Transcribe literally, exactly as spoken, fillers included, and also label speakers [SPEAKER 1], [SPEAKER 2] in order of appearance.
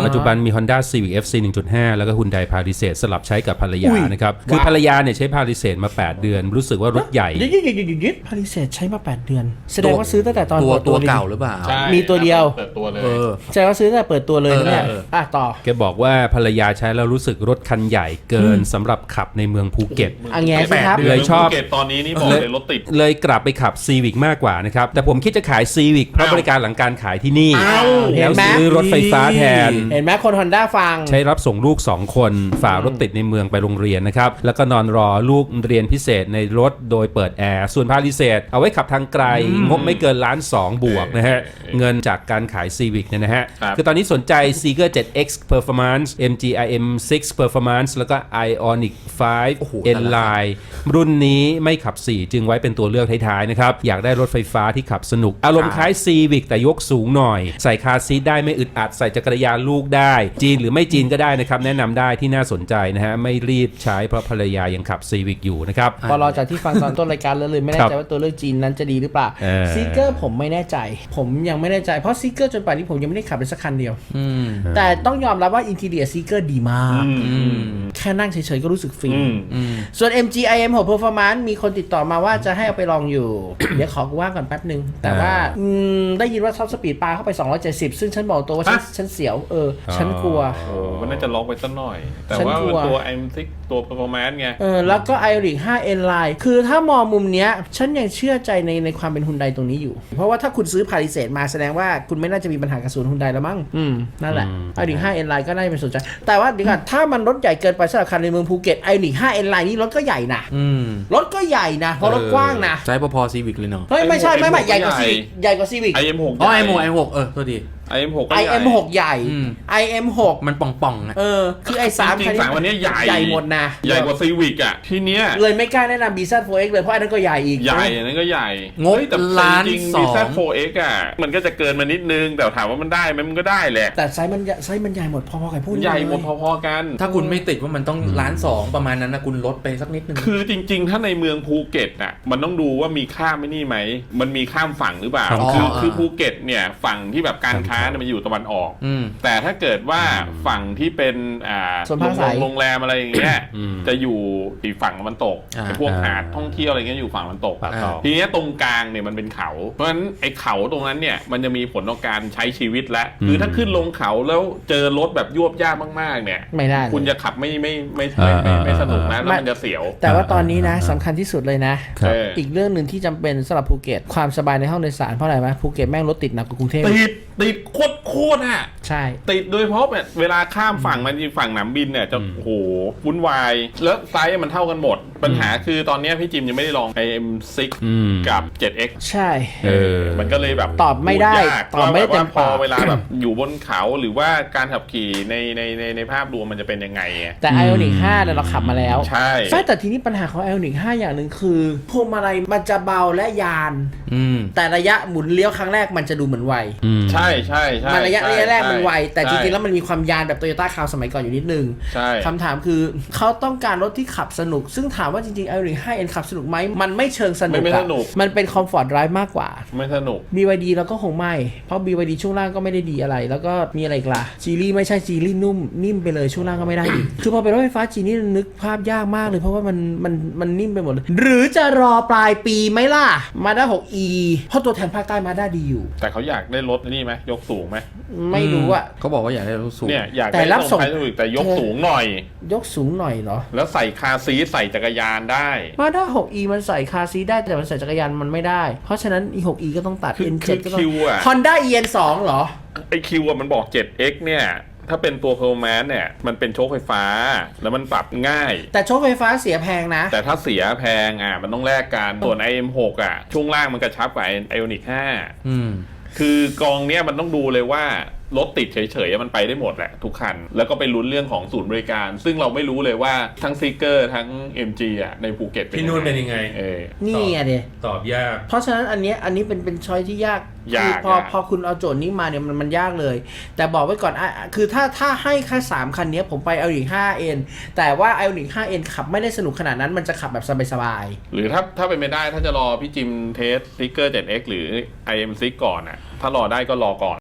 [SPEAKER 1] ปัจจุบันมี Honda Civic เอฟ ซี หนึ่งจุดห้า แล้วก็ Hyundai Palisade สลับใช้กับภรรยานะครับคือภรรยาเนี่ยใช้ Palisade มาแปดเดือนรู้สึกว่ารถใหญ่
[SPEAKER 2] ยึดยึดยึดยึดยึด Palisade ใช้มาแปดเดือนแสดงว่าซื้อตั้งแต่ตอน
[SPEAKER 3] ตัว
[SPEAKER 2] เปิด
[SPEAKER 3] ตั
[SPEAKER 2] ตัว ว
[SPEAKER 3] เก่าหรือเปล่า
[SPEAKER 2] มีตัวเดียว
[SPEAKER 4] เปิดตัวเลย
[SPEAKER 2] แสดงว่าซื้อตั้งแต่เปิดตัวเลยนะเนี่ยอ่ะต่อ
[SPEAKER 1] แกบอกว่าภรรยาใช้แล้วรู้สึกรถคันใหญ่เกินสำหรับขับในเมืองภูเก็ต
[SPEAKER 2] อันแง่สิครับ
[SPEAKER 1] เลยชอบ
[SPEAKER 4] ภูเก็ตตอนนี้นี่บอกเลยรถติด
[SPEAKER 1] เลยกลับไปขับ Civic มากกว่านะครับแต่ผมคิดจะขาย Civic เพราะบริการหลังการขายที่นี่แล้วซื้อรถไฟฟ้าแทน
[SPEAKER 2] เห็นไหมคน Honda ฟัง
[SPEAKER 1] ใช้รับส่งลูกสองคนฝ่ารถติดในเมืองไปโรงเรียนนะครับแล้วก็นอนรอลูกเรียนพิเศษในรถโดยเปิดแอร์ส่วน Palisade เอาไว้ขับทางไกลงบไม่เกินล้านสองบวกนะฮะเงินจากการขาย Civic เนี่ยนะฮะคือตอนนี้สนใจ Seeker เซเว่น เอ็กซ์ Performance เอ็ม จี ไอ เอ็ม ซิกซ์ Performance แล้วก็ Ioniq ไฟว์ N-Line รุ่นนี้ไม่ขับสี่จึงไว้เป็นตัวเลือกท้ายๆนะครับอยากได้รถไฟฟ้าที่ขับสนุกอารมณ์คล้าย Civic แต่ยกสูงหน่อยใส่คาร์ซีทได้ไม่อึดอัดใส่จักรยานลูกได้จีนหรือไม่จีนก็ได้นะครับแนะนำได้ที่น่าสนใจนะฮะไม่รีบใช้เพราะภรรยายังขับ Civic อยู่นะครับ
[SPEAKER 2] พอรอจากที่ฟังตอนต้นรายการแล้วเลยไม่แน่ใจว่าตัวเลือกจีนนั้นจะดีหรือเปล่า Seeker ผมไม่แน่ใจผมยังไม่แน่ใจเพราะ Seeker จนป่านนี้ผมยังไม่ได้ขับเลยสักคันเดียวแต่ต้องยอมรับว่า Interior Seeker ดีมากแค่นั่งเฉยๆก็รู้สึกฟินส่วน เอ็ม จี ไอ เอ็ม หก Performance มีคนติดต่อมาว่าจะให้เอาไปลองอยู่ เดี๋ยวขอกูว่างก่อนแป๊บนึงแต่ว่าได้ยินว่าท็อปสปีดปาเข้าไปสองร้อยเจ็ดสิบซึ่งฉันบอกตัวว่าฉันฉันเสียวเออฉันกลัว
[SPEAKER 4] โอ้มันน่าจะล็อกไปสักหน่อยแต่ว่าตัว ไอ เอ็ม ซิกซ์ ตัว Performance ไง
[SPEAKER 2] เออแล้วก็ Ioniq ไฟว์ N-Line คือถ้ามองมุมเนี้ยฉันยังเชื่อใจในในความเป็น Hyundai ตรงนี้อยู่เพราะว่าถ้าคุณซื้อ Palisade มาแสดงว่าคุณไม่น่าจะมีปัญหากับศูนย์ Hyundai แล้วมั้งอืมนั่นแหละ Ioniq ไฟว์ N-Line ก็น่าจะเป็นสนใจแต่ว่าเดี๋ยวก่อนถ้ามันรถใหญ่เกินไปสำหรับคันในเมืองภูเก็ต Ioniq ไฟว์ N-Line นี่รถก็ใหญ่นะรถก็ใหญ่นะเพราะรถกว้างนะ
[SPEAKER 3] ใช้พอๆ Civic เลยเนาะ
[SPEAKER 2] เฮ้ยไม่ใช่ไม่ไม่ใหญ่กว่า Civic ใหญ่กว่า Civic
[SPEAKER 4] ไอ เอ็ม หก
[SPEAKER 3] อ๋อ ไอ เอ็ม หก ไอ เอ็ม หก เออโทษที
[SPEAKER 4] ไอ เอ็ม หก
[SPEAKER 2] ไอ เอ็ม หก ใหญ่ ไอ เอ็ม หก
[SPEAKER 3] มันป่องๆนะ
[SPEAKER 2] เออคือไอสาม
[SPEAKER 4] จริงๆสามวันนี้ใหญ่
[SPEAKER 2] ใหญ่หมดนะ
[SPEAKER 4] ใหญ่กว่า Civic อ่ะทีเนี้ย
[SPEAKER 2] เลยไม่กล้าแนะนำ บี แซด โฟร์ เอ็กซ์ เลยเพราะอันนั้นก็ใหญ่อีก
[SPEAKER 4] ใหญ่อันนั้นก็ใหญ่
[SPEAKER 3] งบล้านสอง
[SPEAKER 4] บี แซด โฟร์ เอ็กซ์ อ่ะมันก็จะเกินมานิดนึงแต่ถามว่ามันได้ไหมมันก็ได้แหละ
[SPEAKER 2] แต่ไซส์มันไซส์มันใหญ่หมดพอๆกับพูด
[SPEAKER 4] ใหญ่หมดพอๆกัน
[SPEAKER 3] ถ้าคุณไม่ติดว่ามันต้องล้านสองประมาณนั้นนะคุณลดไปสักนิดนึง
[SPEAKER 4] คือจริงๆถ้าในเมืองภูเก็ตอ่ะมันต้องดูว่ามีข้ามไม่นี่ไหมมันมีข้ามฝั่งหรือเปล่าคือคือภูเก็ตเนี่ยฝั่งที่แบบการค้าเนี่ยมันอยู่ตะวันออกแต่ถ้าเกิดว่าฝั่งที่เป็นอ่าโรงแรมอะไรอย่างเงี้ยจะอยู่อีกฝั่งตะวันตกพวกหาดท่องเที่ยวอะไรเงี้ยอยู่ฝั่งตะวันตกทีนี้ตรงกลางเนี่ยมันเป็นเขาเพราะฉะนั้นไอ้เขาตรงนั้นเนี่ยมันจะมีผลต่อการใช้ชีวิตแล้วคือถ้าขึ้นลงเขาแล้วเจอรถแบบยวบยากมากๆเนี่ย
[SPEAKER 2] ไม่ได้
[SPEAKER 4] คุณจะขับไม่ไม่ไม่ไม่ไม่สนุกนะแล้วมันจะเสียว
[SPEAKER 2] แต่ว่าตอนนี้นะสำคัญที่สุดเลยนะอีกเรื่องหนึ่งที่จำเป็นสำหรับภูเก็ตความสบายในห้องโดยสารเพราะอะไรไหมภูเก็ตแม่งรถติดหนักกว่ากรุงเทพ
[SPEAKER 4] ติดติดโคตรโคตรอ่ะ
[SPEAKER 2] ใช่
[SPEAKER 4] ติดโดยเฉพาะแบบเวลาข้ามฝั่งมันฝั่งหนามบินเนี่ยจะโอ้โหวุ่นวายแล้วไซส์มันเท่ากันหมดปัญหาคือตอนนี้พี่จิมยังไม่ได้ลอง ไอ เอ็ม ซิกซ์ กับ เซเว่น เอ็กซ์
[SPEAKER 2] ใช่
[SPEAKER 4] เออมันก็เลยแบบ
[SPEAKER 2] ตอบไม่ได้ตอบไม่ได้เต็มปาก
[SPEAKER 4] เวลาแบบอยู่บนเขาหรือว่าการขับขี่ในในในในภาพรวมมันจะเป็นยังไง
[SPEAKER 2] แต่ Ioniq ไฟว์เนี่ยเราขับมาแล้ว
[SPEAKER 4] ใช่
[SPEAKER 2] แต่ทีนี้ปัญหาของ Ioniq ไฟว์อย่างหนึ่งคือพวงมาลัยมันจะเบาและยานแต่ระยะหมุนเลี้ยวครั้งแรกมันจะดูเหมือนไว
[SPEAKER 4] ใช่ใช่ใช่
[SPEAKER 2] มันระยะระยะแรกมันไวแต่จริงๆแล้วมันมีความยานแบบ Toyota Crown สมัยก่อนอยู่นิดนึงคำถามคือเขาต้องการรถที่ขับสนุกซึ่งถามว่าจริงๆ Ioniq ไฟว์ N ขับสนุกไหมมันไม่เชิงสนุกมันเป็นคอมฟอร์ตไดรฟ์มากกว่า
[SPEAKER 4] ไม่สนุก
[SPEAKER 2] บี วาย ดี แล้วก็คงไม่เพราะ บี วาย ดี ช่วงล่างก็ไม่ได้ดีอะไรแล้วก็มีอะไรอีกล่ะจีรี่ไม่ใช่จีรี่นุ่มนิ่มไปเลยช่วงล่างก็ไม่ได้อีก คือพอเป็นรถไฟฟ้าจีนี่นึกภาพยากมากเลยเพราะว่ามันมันมันนิ่มไปหมดเลยหรือจะรอปลายปีไหมล่ะ Mazda หก อี เพราะตัวแทนภาคใต้ Mazda ดีอยู่
[SPEAKER 4] แต่เขาอยากได้รถนี่ไหมยกสูงไหม
[SPEAKER 2] ไม่รู้อะ
[SPEAKER 3] เขาบอกว่าอยากได้รถสูง
[SPEAKER 4] เนี่ยอยากได้รถส่งแต่ยกสูงหน่อย
[SPEAKER 2] ยกสูงหน่อยเหรอ
[SPEAKER 4] แล้วใส่คาร์ซีทใส่จักรยานได้
[SPEAKER 2] Mazda หก อี มันใส่คาร์ซีทได้แต่มันใส่จักรยานมันไม่ได้เพราะฉะนั้น หก อี ก็ต้องตัด เอ็น เซเว่น ก็ต้อง Honda อี เอ็น ทู เหรอ
[SPEAKER 4] ไอคิวอะมันบอก เซเว่น เอ็กซ์ เนี่ยถ้าเป็นตัว Performance เนี่ยมันเป็นโชคไฟฟ้าแล้วมันปรับง่าย
[SPEAKER 2] แต่โชคไฟฟ้าเสียแพงนะ
[SPEAKER 4] แต่ถ้าเสียแพงอ่ะมันต้องแลกกันส่วน ไอ เอ็ม หก อ่ะช่วงล่างมันกระชับกว่า Ioniq ไฟว์อืมคือกองเนี้ยมันต้องดูเลยว่ารถติดเฉยๆมันไปได้หมดแหละทุกคันแล้วก็ไปลุ้นเรื่องของศูนย์บริการซึ่งเราไม่รู้เลยว่าทั้งซีเกอร์ทั้ง เอ็ม จี อ่ะในภูเก็ต
[SPEAKER 1] พี่นุ่นเป็นยังไง
[SPEAKER 4] เออ
[SPEAKER 2] นี่อ่ะเด
[SPEAKER 1] ตอบยาก
[SPEAKER 2] เพราะฉะนั้นอันนี้อันนี้เป็นเป็นช้อยที่ยาก
[SPEAKER 4] คือ
[SPEAKER 2] พอพอคุณเอาโจทย์นี้มาเนี่ยมันมันยากเลยแต่บอกไว้ก่อนคือถ้าถ้าให้แค่สามคันนี้ผมไป Ioniq ไฟว์ เอ็น แต่ว่า Ioniq ไฟว์ เอ็น ขับไม่ได้สนุกขนาดนั้นมันจะขับแบบสบาย
[SPEAKER 4] ๆหรือถ้าถ้าเป็นไม่ได้ถ้าจะรอพี่จิมเทสซีเกอร์ เซเว่น เอ็กซ์ หรือ ไอ เอ็ม ซิกซ์ ก่อนอ่ะถ้ารอได้ก็รอก่อน